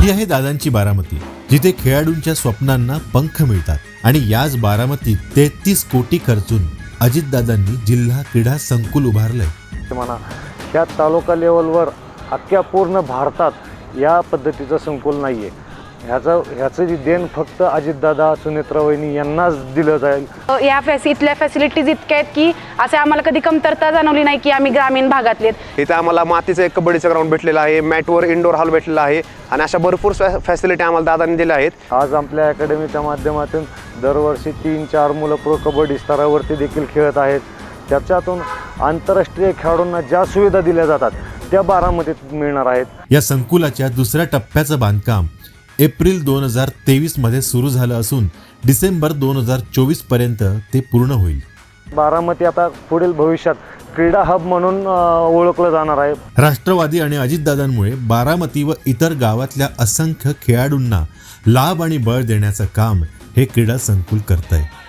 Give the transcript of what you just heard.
ही आहे दादांची बारामती, जिथे खेळाडूंच्या स्वप्नांना पंख मिळतात आणि याच बारामतीत 33 कोटी खर्चून अजितदादांनी जिल्हा क्रीडा संकुल उभारलंय. म्हणा ह्या तालुका लेवलवर अख्ख्या पूर्ण भारतात या पद्धतीचं संकुल नाही आहे. ह्याचं जी देण फक्त अजितदादा, सुनेत्रा वहिनी यांनाच दिलं जाईल. इथल्या फॅसिलिटीज इतक्या आहेत की असे आम्हाला कधी कमतरता जाणवली नाही की आम्ही ग्रामीण भागातले. इथे आम्हाला मातीचं एक कबड्डीचं ग्राउंड भेटलेलं आहे, मॅटवर इंडोर हॉल भेटलेला आहे आणि अशा भरपूर फॅसिलिटी आम्हाला दादांनी दिल्या आहेत. आज आपल्या अकॅडमीच्या माध्यमातून दरवर्षी 3-4 मुलं प्रो कबड्डी स्तरावरती देखील खेळत आहेत. त्याच्यातून आंतरराष्ट्रीय खेळाडूंना ज्या सुविधा दिल्या जातात त्या बारामतीत मिळणार आहेत. या संकुलाच्या दुसऱ्या टप्प्याचं बांधकाम एप्रिल 2023 मध्ये सुरू झालं असून डिसेंबर 2024 पर्यंत ते पूर्ण होईल. बारामती आता पुढील भविष्यात क्रीडा हब म्हणून ओळखलं जाणार आहे. राष्ट्रवादी आणि अजितदादांमुळे बारामती व इतर गावातल्या असंख्य खेळाडूंना लाभ आणि बळ देण्याचं काम हे क्रीडा संकुल करतंय.